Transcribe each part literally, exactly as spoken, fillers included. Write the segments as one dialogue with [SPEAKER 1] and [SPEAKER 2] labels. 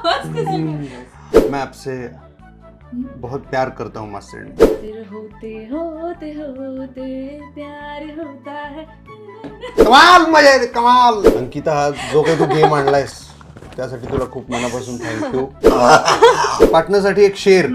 [SPEAKER 1] मैं आपसे बहुत प्यार करता हूँ मास्टर.
[SPEAKER 2] फिर होते होते होते प्यार होता है.
[SPEAKER 1] कमाल मजा येते कमाल. अंकिता, हा जो काही तू गेम आणलायस त्यासाठी तुला खूप मनापासून थँक्यू. पार्टनरसाठी एक शेर.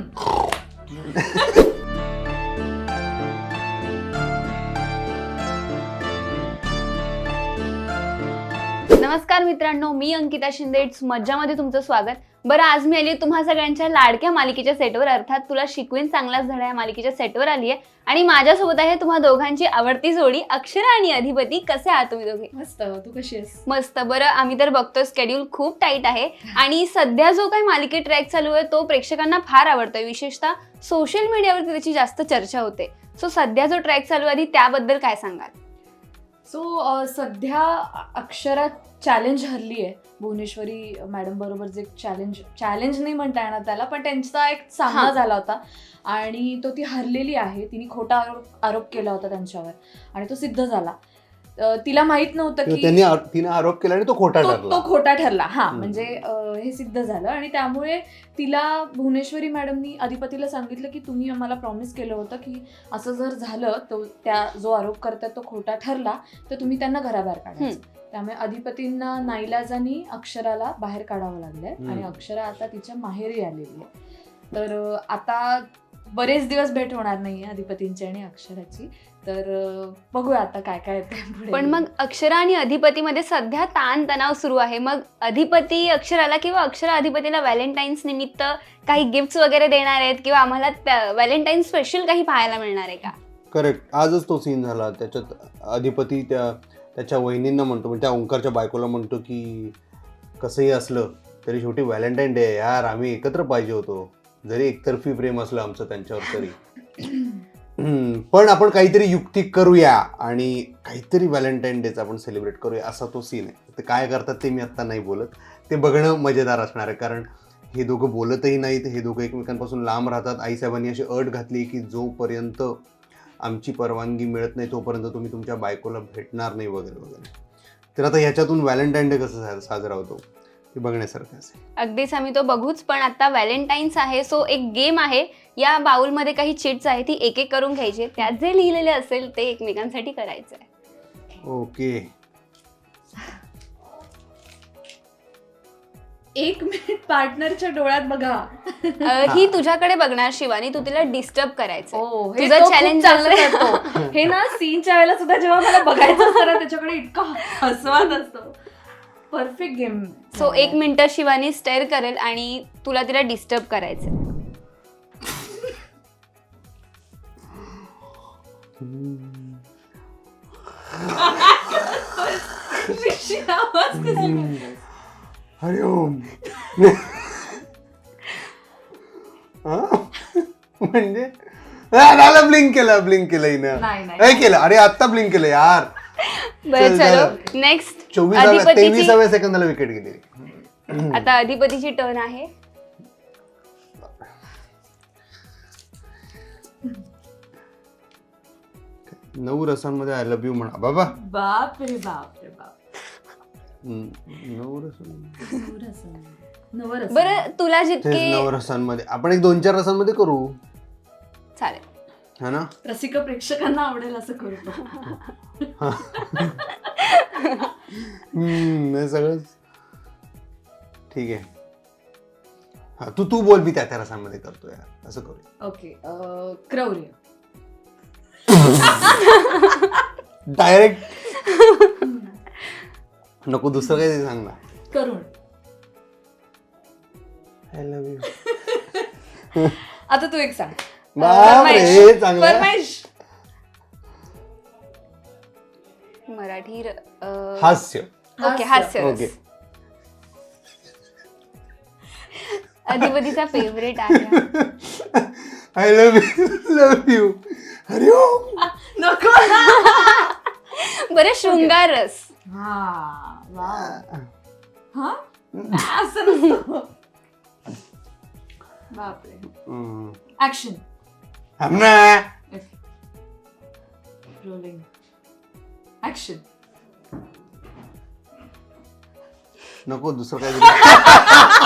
[SPEAKER 3] नमस्कार मित्रांनो, मी अंकिता शिंदे. इट्स मज्जामध्ये तुमचं स्वागत. बरं, आज मी आली तुम्हा सगळ्यांच्या लाडक्या मालिकेच्या सेटवर, अर्थात तुला शिकवीन चांगलाच धडा या मालिकेच्या सेटवर आली आहे. आणि माझ्यासोबत आहे तुम्हा दोघांची आवडती जोडी अक्षरा आणि अधिपती. कसे आहात तुम्ही दोघे?
[SPEAKER 2] मस्त. तू कशी आहेस?
[SPEAKER 3] मस्त. बरं, आम्ही तर बघतोय स्केड्यूल खूप टाईट आहे आणि सध्या जो काही मालिके ट्रॅक चालू आहे तो प्रेक्षकांना फार आवडतोय. विशेषतः सोशल मीडियावरती त्याची जास्त चर्चा होते. सो सध्या जो ट्रॅक चालू आहे त्याबद्दल काय सांगाल?
[SPEAKER 2] सो सध्या अक्षरा चॅलेंज हरली आहे भुवनेश्वरी मॅडम बरोबर. जे चॅलेंज चॅलेंज नाही म्हणता येणार त्याला, पण त्यांचा एक सामना झाला होता आणि तो ती हरलेली आहे. तिने खोटा आरोप आरोप केला होता त्यांच्यावर आणि तो सिद्ध झाला. तिला माहित नव्हतं की
[SPEAKER 1] त्यांनी तिने आरोप केला आणि तो खोटा
[SPEAKER 2] तो
[SPEAKER 1] ठरला.
[SPEAKER 2] तो खोटा ठरला. हा, म्हणजे हे सिद्ध झालं आणि त्यामुळे तिला भुवनेश्वरी मॅडमनी अधिपतीला सांगितलं की तुम्ही आम्हाला प्रॉमिस केलं होतं की असं जर झालं तो त्या जो आरोप करतात तो खोटा ठरला तर तुम्ही त्यांना घराबाहेर काढायचं. त्यामुळे अधिपतींना नाईलाजानी अक्षराला बाहेर काढावं लागलंय आणि अक्षरा आता तिच्या माहेरी आलेली आहे. तर आता बरेच दिवस भेट होणार नाहीये अधिपतींची आणि अक्षराची. तर बघूया आता काय काय येते.
[SPEAKER 3] पण मग अक्षरा आणि अधिपतीमध्ये सध्या ताण तणाव सुरू आहे. मग अधिपती अक्षराला किंवा अक्षरा अधिपतीला व्हॅलेंटाईन्स निमित्त काही गिफ्ट्स वगैरे देणार आहेत किंवा आम्हाला व्हॅलेंटाईन स्पेशल काही पाहायला मिळणार आहे का?
[SPEAKER 1] करेक्ट. आजच तो सीन झाला. त्याच्यात अधिपती त्या त्याच्या वहिनींना म्हणतो, म्हणजे त्या ओंकारच्या बायकोला म्हणतो की कसंही असलं तरी शेवटी व्हॅलेंटाईन डे यार, आम्ही एकत्र पाहिजे होतो. जरी एकतर्फी प्रेम असलं आमचं त्यांच्यावर तरी, पण आपण काहीतरी युक्ती करूया आणि काहीतरी व्हॅलेंटाईन डेचा आपण सेलिब्रेट करूया, असा तो सीन आहे. ते काय करतात ते मी आत्ता नाही बोलत. ते बघणं मजेदार असणार आहे, कारण हे दोघं बोलतही नाहीत. हे दोघं एकमेकांपासून लांब राहतात. आईसाहेबांनी अशी अट घातली की जोपर्यंत आमची परवानगी मिळत नाही तोपर्यंत तुम्ही तुमच्या बायकोला भेटणार नाही वगैरे वगैरे. तर आता ह्याच्यातून व्हॅलेंटाईन डे कसं साजरा होतो ते बघण्यासारखं असेल.
[SPEAKER 3] अगदीच, आम्ही तो बघूच. पण आता व्हॅलेंटाईन्स आहे, सो एक गेम आहे. या बाउलमध्ये काही चिट्स आहे, ती एक एक करून घ्यायची. त्यात जे लिहिलेले असेल ते एकमेकांसाठी करायचं आहे.
[SPEAKER 1] ओके.
[SPEAKER 2] एक मिनिट, पार्टनरच्या डोळ्यात बघा.
[SPEAKER 3] ही तुझ्याकडे बघणार शिवानी, तू तिला डिस्टर्ब करायचं.
[SPEAKER 2] तुझं चॅलेंज चांगलं. हे ना सीनच्या वेळेला सुद्धा जेव्हा मला बघायचं असतं ना त्याच्याकडे इतका हसवात असतो. Perfect game.
[SPEAKER 3] सो एक मिनिट शिवानी स्टेअर करेल आणि तुला तिला डिस्टर्ब करायचं.
[SPEAKER 1] हरिओम. म्हणजे ब्लिंक केलं ब्लिंक केलं हिनं. नाही केलं. अरे आत्ता ब्लिंक केलं यार.
[SPEAKER 3] बरं, चलो नेक्स्ट.
[SPEAKER 1] चोवीसाव्या तेविसाव्या सेकंदाला विकेट गेली.
[SPEAKER 3] आता अधिपतीची टर्न आहे.
[SPEAKER 1] नऊ रसांमध्ये आय लव्ह यू म्हणा. बाबा
[SPEAKER 2] बाप रे बाप रे बाप.
[SPEAKER 1] नऊ रसांमध्ये.
[SPEAKER 3] बरं, तुला जितके
[SPEAKER 1] नऊ रसांमध्ये आपण एक दोन चार रसांमध्ये करू.
[SPEAKER 3] चालेल.
[SPEAKER 1] हा ना.
[SPEAKER 2] रसिक प्रेक्षकांना आवडेल असं करू.
[SPEAKER 1] हम्म सगळंच ठीक आहे. हा, तू तू बोल, मी त्या त्या रसांमध्ये करतो यार, असं करू.
[SPEAKER 2] ओके. क्रौर्य.
[SPEAKER 1] डायरेक्ट नको, दुसरं काही सांग ना.
[SPEAKER 2] करुण.
[SPEAKER 1] I love you.
[SPEAKER 2] आता तू एक सांग.
[SPEAKER 1] बापरे, चांगलं.
[SPEAKER 2] फरमाईश.
[SPEAKER 3] मराठी
[SPEAKER 1] हास्य.
[SPEAKER 3] ओके, हास्य.
[SPEAKER 1] ओके.
[SPEAKER 3] अधिपतीचा फेवरेट आहे.
[SPEAKER 1] I love you love you. हरिओम.
[SPEAKER 2] नको.
[SPEAKER 3] बरं, शृंगार रस.
[SPEAKER 2] हा हा असं नसतं. बापरे. ऍक्शन. रोलिंग. ऍक्शन.
[SPEAKER 1] नको दुसरं काय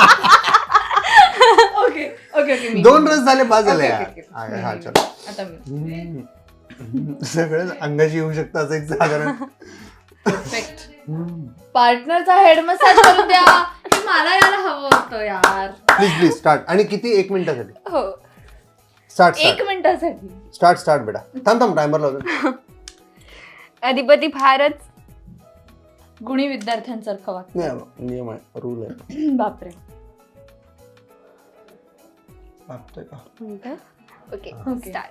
[SPEAKER 2] ओके ओके ओके मी
[SPEAKER 1] दोन रस झाले पाच झाले
[SPEAKER 2] ओके,
[SPEAKER 1] यार.
[SPEAKER 2] Okay, okay.
[SPEAKER 1] हा,
[SPEAKER 2] मी-
[SPEAKER 1] हा
[SPEAKER 2] मी-
[SPEAKER 1] चल
[SPEAKER 2] आता मी
[SPEAKER 1] सगळं अंगाशी येऊ शकतं असं एक साधारण
[SPEAKER 2] परफेक्ट पार्टनरचा हेड मसाज करून द्या हे मला यायला हवं होतं यार
[SPEAKER 1] प्लीज प्लीज स्टार्ट. आणि किती एक मिनिटासाठी
[SPEAKER 3] हो
[SPEAKER 1] स्टार्ट
[SPEAKER 2] एक
[SPEAKER 1] स्टार्ट
[SPEAKER 2] मिनिटासाठी
[SPEAKER 1] स्टार्ट स्टार्ट बेटा थांब थांब टायमर लावतो.
[SPEAKER 3] अधिपती फारच
[SPEAKER 2] गुणी विद्यार्थ्यांसारखं वाटतं
[SPEAKER 1] नाही नियम आहे रूल आहे.
[SPEAKER 2] बापरे
[SPEAKER 1] वाटतंय का
[SPEAKER 3] ओके
[SPEAKER 2] ओके.
[SPEAKER 3] स्टार्ट.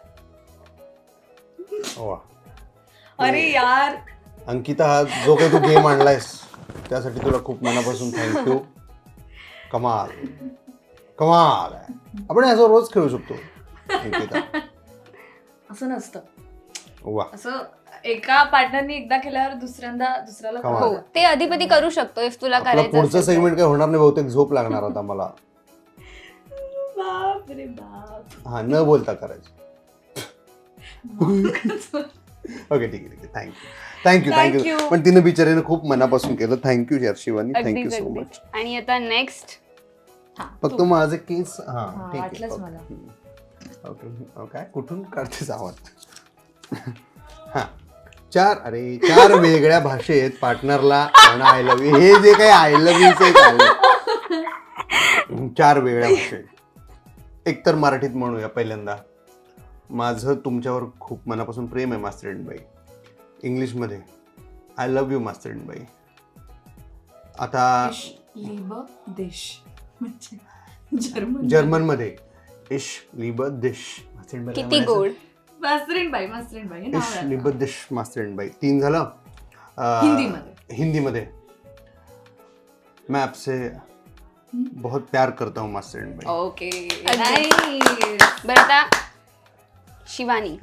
[SPEAKER 1] वा
[SPEAKER 2] अरे यार
[SPEAKER 1] अंकिता हा जो काही तू गेम आणलायस त्यासाठी तुला खूप मनापासून थँक्यू. कमाल कमाल आहे. आपण असं रोज खेळू शकतो अंकिता.
[SPEAKER 2] असं नसतं
[SPEAKER 1] वा
[SPEAKER 2] असं एका पार्टनरनी एकदा केल्यावर दुसऱ्यांदा दुसऱ्याला
[SPEAKER 1] कमाल.
[SPEAKER 3] हो
[SPEAKER 2] कळतं.
[SPEAKER 3] ते अधिपती करू शकतो इफ तुला
[SPEAKER 1] आपला
[SPEAKER 3] करायचं
[SPEAKER 1] पुढचं
[SPEAKER 3] असेल तर.
[SPEAKER 1] सेगमेंट काही होणार नाही बहुतेक झोप लागणार आता मला.
[SPEAKER 2] बाप रे बाप
[SPEAKER 1] हा न बोलता करायचं. ओके ठीक आहे ठीक आहे thank you thank you
[SPEAKER 2] Thank
[SPEAKER 1] thank you
[SPEAKER 2] you.
[SPEAKER 1] पण तिने बिचारीने खूप मनापासून केलं. थँक्यू यार शिवानी थँक्यू
[SPEAKER 3] अगदीच
[SPEAKER 1] सो
[SPEAKER 3] अगदीच.
[SPEAKER 1] मच.
[SPEAKER 3] आणि आता नेक्स्ट
[SPEAKER 2] हा,
[SPEAKER 1] फक्त
[SPEAKER 2] तू.
[SPEAKER 1] माझे केस हा
[SPEAKER 2] हा,
[SPEAKER 1] ठीक
[SPEAKER 2] वाटलंच
[SPEAKER 1] आहे
[SPEAKER 2] मला.
[SPEAKER 1] ओके ओके काय कुठून काढतेस आवाज. हा चार अरे चार वेगळ्या भाषेत पार्टनरला आय लव्ह यू हे जे काही आय लव्ह यू चार वेगळ्या भाषेत. एकतर मराठीत म्हणूया पहिल्यांदा. माझं तुमच्यावर खूप मनापासून प्रेम आहे मास्तरीणबाई. इंग्लिशमध्ये आय लव्ह यू मास्तरीणबाई. आता
[SPEAKER 2] इश, लिब, देश म्हणजे जर्मन
[SPEAKER 1] जर्मनमध्ये इश लिब दिश मास्तरीणबाई
[SPEAKER 3] किती गोड.
[SPEAKER 2] मास्तरीण बाई मास्तरीण बाई हे नाव
[SPEAKER 1] इश
[SPEAKER 2] आहे
[SPEAKER 1] लिब
[SPEAKER 2] आता.
[SPEAKER 1] दिश मास्तरीणबाई. तीन झालं. अं,
[SPEAKER 2] हिंदीमध्ये.
[SPEAKER 1] हिंदीमध्ये मैं आपसे बहुत प्यार करता हूँ मास्तरीणबाई.
[SPEAKER 2] Okay nice.
[SPEAKER 3] बरं आता शिवानी.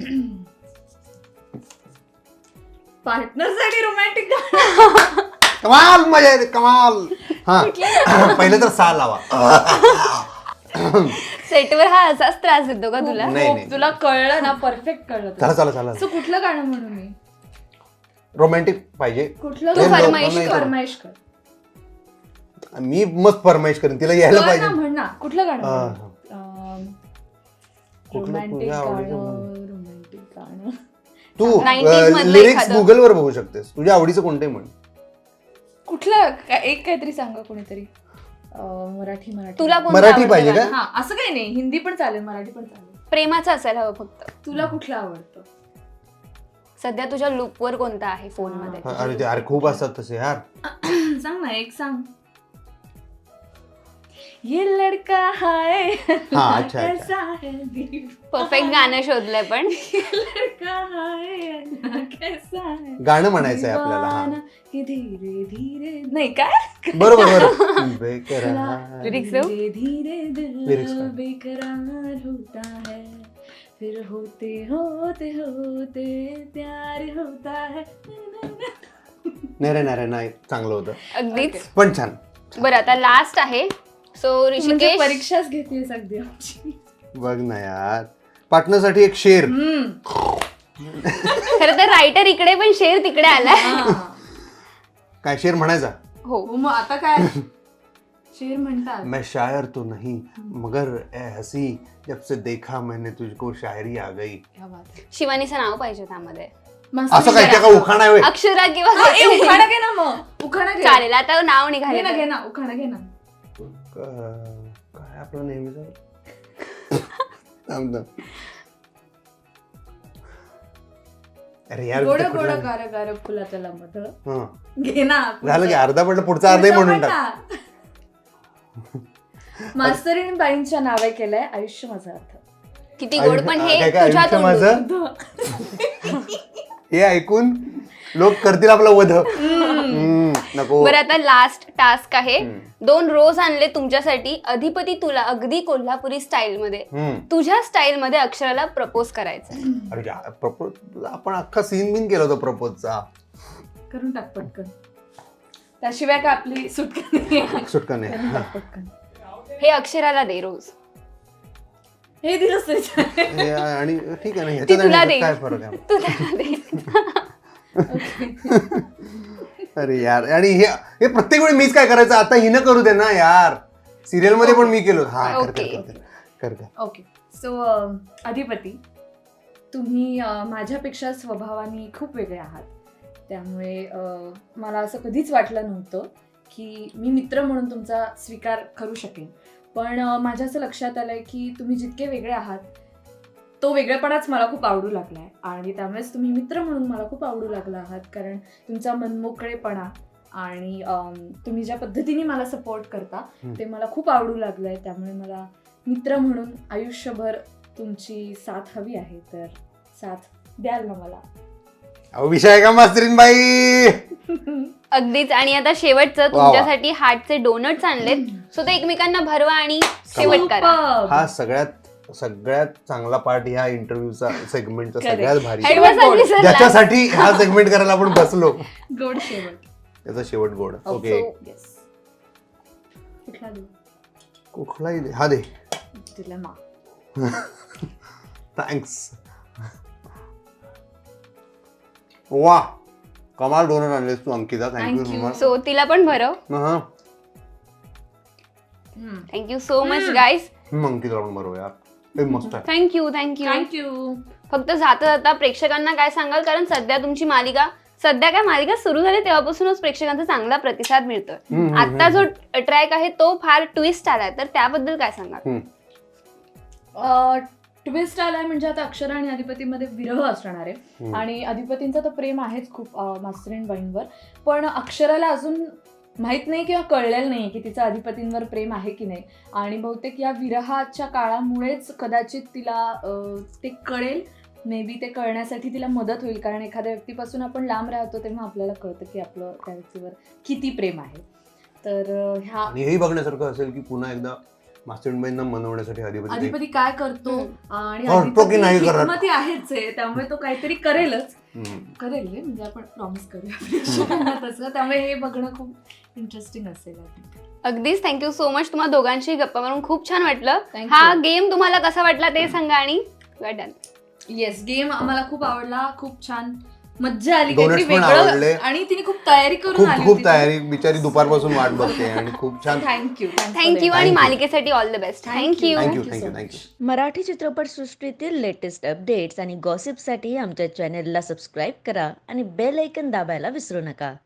[SPEAKER 2] पार्टनरसाठी रोमॅन्टिक
[SPEAKER 1] कमाल मजा येते कमाल. हा पहिलं तर सा लावा.
[SPEAKER 3] सेटवर हा असाच त्रास देतो का तुला
[SPEAKER 1] नाही, नाही.
[SPEAKER 2] तुला कळलं ना परफेक्ट कळलं तुला.
[SPEAKER 1] चला चला चला
[SPEAKER 2] असं कुठलं गाणं म्हणू मी
[SPEAKER 1] रोमॅन्टिक पाहिजे.
[SPEAKER 2] कुठलं
[SPEAKER 3] तू
[SPEAKER 1] हे
[SPEAKER 2] गाणं?
[SPEAKER 3] फरमाईश
[SPEAKER 1] नाही
[SPEAKER 2] तू
[SPEAKER 1] तर-
[SPEAKER 2] फरमाईश कर
[SPEAKER 1] मी मस्त फरमाईश करेन तिला यायला
[SPEAKER 2] कर
[SPEAKER 1] पाहिजे.
[SPEAKER 2] ना, म्हण ना कुठलं गाणं
[SPEAKER 1] हा.
[SPEAKER 2] म्हणू?
[SPEAKER 1] कुठलं
[SPEAKER 2] रोमॅन्टिक
[SPEAKER 1] तुझ्या आवडीचं
[SPEAKER 2] गाणं रोमॅन्टिक गाणं
[SPEAKER 1] तू
[SPEAKER 3] nineties मधलं
[SPEAKER 1] लिरिक्स
[SPEAKER 3] एखादं.
[SPEAKER 1] गुगल वर बघू शकतेस. तुझ्या आवडीचं कोणते म्हण.
[SPEAKER 2] कुठलं का- एक काहीतरी सांगा कोणीतरी अं, मराठी मराठी
[SPEAKER 3] तुला कोणतं
[SPEAKER 1] मराठी
[SPEAKER 3] आवडतं
[SPEAKER 1] पाहिजे
[SPEAKER 3] गाणं?
[SPEAKER 1] का?
[SPEAKER 2] हा असं काही नाही हिंदी पण चालेल मराठी पण चालेल.
[SPEAKER 3] प्रेमाचं असायला हवं फक्त.
[SPEAKER 2] तुला कुठलं आवडतं?
[SPEAKER 3] सध्या तुझ्या लूपवर कोणता आहे फोन मध्ये
[SPEAKER 1] हा, अरे ते अरे खूप असतात तसे यार.
[SPEAKER 2] सांग ना एक सांग. ये लड़का है
[SPEAKER 1] हा, अच्छा, अच्छा.
[SPEAKER 2] कैसा है दीवाना.
[SPEAKER 3] परफेक्ट गाणं शोधलंय पण
[SPEAKER 2] ये लड़का है कैसा है
[SPEAKER 1] गाणं म्हणायचं आहे आपल्याला. हा
[SPEAKER 2] दीवाना कि धीरे धीरे नाही काय
[SPEAKER 1] बरोबर बरोबर बेकरार.
[SPEAKER 3] Lyrics दो.
[SPEAKER 2] धीरे धीरे
[SPEAKER 1] Lyrics
[SPEAKER 2] दिल
[SPEAKER 1] का?
[SPEAKER 2] बेकरार होता है फिर होते होते होते प्यार होता है.
[SPEAKER 1] नाही रे नाही रे नाही चांगलं होतं
[SPEAKER 3] अगदीच.
[SPEAKER 1] पण छान.
[SPEAKER 3] बरं आता लास्ट आहे सो
[SPEAKER 2] म्हणजे
[SPEAKER 3] ऋषिकेश.
[SPEAKER 2] परीक्षाच घेते अगदी आमची.
[SPEAKER 1] बघ ना यार पार्टनरसाठी एक शेर.
[SPEAKER 2] हम्म.
[SPEAKER 3] खरं तर रायटर इकडे पण शेर तिकडे आलाय.
[SPEAKER 2] हा.
[SPEAKER 1] काय शेर म्हणायचा.
[SPEAKER 3] हो
[SPEAKER 2] हो, मग आता काय शेर म्हणतात.
[SPEAKER 1] मैं शायर तो नहीं मगर ए हसी जब से देखा मैंने तुझको शायरी आ गई.
[SPEAKER 2] क्या बात आहे.
[SPEAKER 3] शिवानीचं नाव पाहिजे त्यामध्ये.
[SPEAKER 2] मस्त
[SPEAKER 1] असं काय
[SPEAKER 2] विचार.
[SPEAKER 1] का उखाणा आहे होय?
[SPEAKER 3] अक्षरा किंवा
[SPEAKER 2] हा, ए, उखाणा घे ना मग उखाणा घे.
[SPEAKER 3] चालेल आता नाव
[SPEAKER 2] घे
[SPEAKER 3] निघाले
[SPEAKER 2] ना
[SPEAKER 3] तर.
[SPEAKER 2] घे ना उखाणा घे ना.
[SPEAKER 1] क- काय आपलं नेहमीच थांब थांब. अरे यार
[SPEAKER 2] गोड
[SPEAKER 1] ते
[SPEAKER 2] गोड
[SPEAKER 1] कुठलं-
[SPEAKER 2] गार गार फुलाचं लांबट.
[SPEAKER 1] हं.
[SPEAKER 2] घे ना.
[SPEAKER 1] झालं की अर्धा पडलं पुढचा अर्धही म्हणून टाक.
[SPEAKER 2] मास्तरीण बाईंच्या नावे केलंय आयुष्य माझा अर्थ.
[SPEAKER 3] किती गोड पण
[SPEAKER 1] काय
[SPEAKER 3] हे
[SPEAKER 1] काय
[SPEAKER 3] तुझ्या
[SPEAKER 1] आयुष्य
[SPEAKER 3] तोंडून.
[SPEAKER 1] माझं हे ऐकून लोक करतील आपला वध. हम्म, नको.
[SPEAKER 3] बरं आता लास्ट टास्क आहे.
[SPEAKER 1] हम्म.
[SPEAKER 3] दोन रोज आणले तुमच्यासाठी. अधिपती तुला अगदी कोल्हापुरी स्टाईल मध्ये
[SPEAKER 1] हम्म.
[SPEAKER 3] तुझ्या स्टाईल मध्ये अक्षराला प्रपोज करायचं.
[SPEAKER 1] अरे प्रपोज आपण अख्खा सीन बिन केला होता प्रपोजचा.
[SPEAKER 2] करून टाक पटकन. त्याशिवाय का आपली सुटका नाही.
[SPEAKER 1] सुटका नाही.
[SPEAKER 2] करून
[SPEAKER 1] हा.
[SPEAKER 2] टाक पटकन.
[SPEAKER 3] हे अक्षराला दे रोज.
[SPEAKER 2] हे दिलंच तरी चालेल.
[SPEAKER 1] हे आणि ठीक आहे ना
[SPEAKER 3] ती
[SPEAKER 1] ह्याच्यात
[SPEAKER 3] तुला
[SPEAKER 1] आणि
[SPEAKER 3] देईल.
[SPEAKER 1] काय फरक आहे.
[SPEAKER 3] तू त्याला दे.
[SPEAKER 2] Okay.
[SPEAKER 1] अरे यार आणि हे हे प्रत्येक वेळी मीच काय करायचं आता हिनं करू दे ना यार सिरियल मध्ये पण मी केलो हा कर कर
[SPEAKER 3] Okay.
[SPEAKER 1] कर, कर कर
[SPEAKER 2] ओके सो अधिपती तुम्ही अं, माझ्यापेक्षा स्वभावाने खूप वेगळे आहात त्यामुळे अं, मला असं कधीच वाटलं नव्हतं की मी मित्र म्हणून तुमचा स्वीकार करू शकेन पण अं, माझ्या असं लक्षात आलंय की तुम्ही जितके वेगळे आहात तो वेगळेपणाच मला खूप आवडू लागला आहे आणि त्यामुळेच तुम्ही मित्र म्हणून मला खूप आवडू लागला आहात कारण तुमचा मनमोकळेपणा आणि अम, तुम्ही ज्या पद्धतीने मला सपोर्ट करता
[SPEAKER 1] हम्म.
[SPEAKER 2] ते मला खूप आवडू लागलं आहे त्यामुळे मला मित्र म्हणून आयुष्यभर तुमची साथ हवी आहे तर साथ द्याल ना मला
[SPEAKER 1] अहो विषय आहे का मास्तरीन बाई
[SPEAKER 3] अगदीच आणि आता शेवटचं
[SPEAKER 1] वा.
[SPEAKER 3] तुमच्यासाठी हार्टचे डोनट्स आणलेत सो ते एकमेकांना भरवा आणि शेवट करा
[SPEAKER 2] Superb.
[SPEAKER 1] हा सगळ्यात सगळ्यात चांगला पार्ट ह्या इंटरव्ह्यूचा सेगमेंटचा
[SPEAKER 2] Correct.
[SPEAKER 1] सगळ्यात भारी
[SPEAKER 2] शेवट
[SPEAKER 3] Advance
[SPEAKER 2] गोड.
[SPEAKER 3] विसरला.
[SPEAKER 1] ज्याच्यासाठी हा सेगमेंट करायला आपण बसलो
[SPEAKER 2] गोड शेवट
[SPEAKER 1] त्याचा शेवट गोड ओके
[SPEAKER 2] येस कुठला देऊ
[SPEAKER 1] कुठलाही दे हा दे
[SPEAKER 2] तुला मा
[SPEAKER 1] थँक्स वा कमाल donor आणलेस Tu Ankita
[SPEAKER 2] Thank
[SPEAKER 1] thank you
[SPEAKER 2] you.
[SPEAKER 3] So तिला पण भरव
[SPEAKER 1] हा
[SPEAKER 3] थँक्यू सो मच
[SPEAKER 2] हम्म.
[SPEAKER 3] गाईज
[SPEAKER 1] हम्म, अंकिता पण बरोबर यार हे मस्त आहे
[SPEAKER 3] थँक्यू थँक्यू
[SPEAKER 2] थँक्यू
[SPEAKER 3] फक्त जाता जाता प्रेक्षकांना काय सांगाल कारण सध्या तुमची मालिका सध्या काय मालिका सुरू झाली तेव्हापासूनच प्रेक्षकांचा चांगला प्रतिसाद मिळतोय
[SPEAKER 1] हम्म, हम्म,
[SPEAKER 3] आता जो ट्रॅक आहे तो फार ट्विस्ट आलाय तर त्याबद्दल काय सांगाल
[SPEAKER 1] हम्म.
[SPEAKER 2] ट्विस्ट आलाय म्हणजे आता अक्षरा आणि अधिपतीमध्ये विरह असणार आहे
[SPEAKER 1] हम्म.
[SPEAKER 2] आणि अधिपतींचं तर प्रेम आहेच खूप अं, मास्तरीण बाईंवर पण अक्षराला अजून माहित नाही किंवा कळलेलं नाही की तिचं अधिपतींवर प्रेम आहे की नाही आणि बहुतेक या विरहाच्या काळामुळेच कदाचित तिला अं, ते कळेल मे बी ते कळण्यासाठी तिला मदत होईल कारण एखाद्या व्यक्तीपासून आपण लांब राहतो तेव्हा आपल्याला कळतं की आपलं त्या व्यक्तीवर किती प्रेम आहे तर अं, ह्या
[SPEAKER 1] आणि हेही बघण्यासारखं असेल की पुन्हा एकदा मास्टरबाईंना मनवण्यासाठी अधिपती
[SPEAKER 2] अधिपती काय करतो आणि
[SPEAKER 1] करतो की नाही करत?
[SPEAKER 2] हिकमती आहेच आहे त्यामुळे तो काहीतरी करेलच
[SPEAKER 1] हम्म.
[SPEAKER 2] करेल रे, म्हणजे आपण प्रॉमिस करूया प्रेक्षकांना तसं त्यामुळे हे बघणं खूप इंटरेस्टिंग असेल
[SPEAKER 3] अगदीच थँक्यू सो मच तुम्हाला दोघांशी गप्पा मारून खूप छान वाटलं
[SPEAKER 2] Thank you.
[SPEAKER 3] हा गेम तुम्हाला कसा वाटला ते सांगा आणि डन
[SPEAKER 2] येस गेम आम्हाला खूप आवडला खूप छान मज्जा आली
[SPEAKER 1] Donuts
[SPEAKER 2] काहीतरी
[SPEAKER 1] पण आवडले.
[SPEAKER 2] वेगळं आणि तिने खूप तयारी करून
[SPEAKER 1] खूप
[SPEAKER 2] आली
[SPEAKER 1] खूप तयारी बिचारी दुपारपासून वाट बघते आणि खूप छान
[SPEAKER 2] थँक्यू
[SPEAKER 3] थँक्यू आणि
[SPEAKER 1] Thank you.
[SPEAKER 3] मालिकेसाठी all the best
[SPEAKER 2] Thank
[SPEAKER 3] thank you
[SPEAKER 2] you.
[SPEAKER 1] Thank you
[SPEAKER 2] Thank you
[SPEAKER 1] thank you
[SPEAKER 2] so
[SPEAKER 1] thank you
[SPEAKER 4] Marathi चित्रपटसृष्टीतील लेटेस्ट अपडेट्स आणि गॉसिपसाठी आमच्या चॅनेलला सबस्क्राईब करा आणि बेल ऐकन दाबायला विसरू नका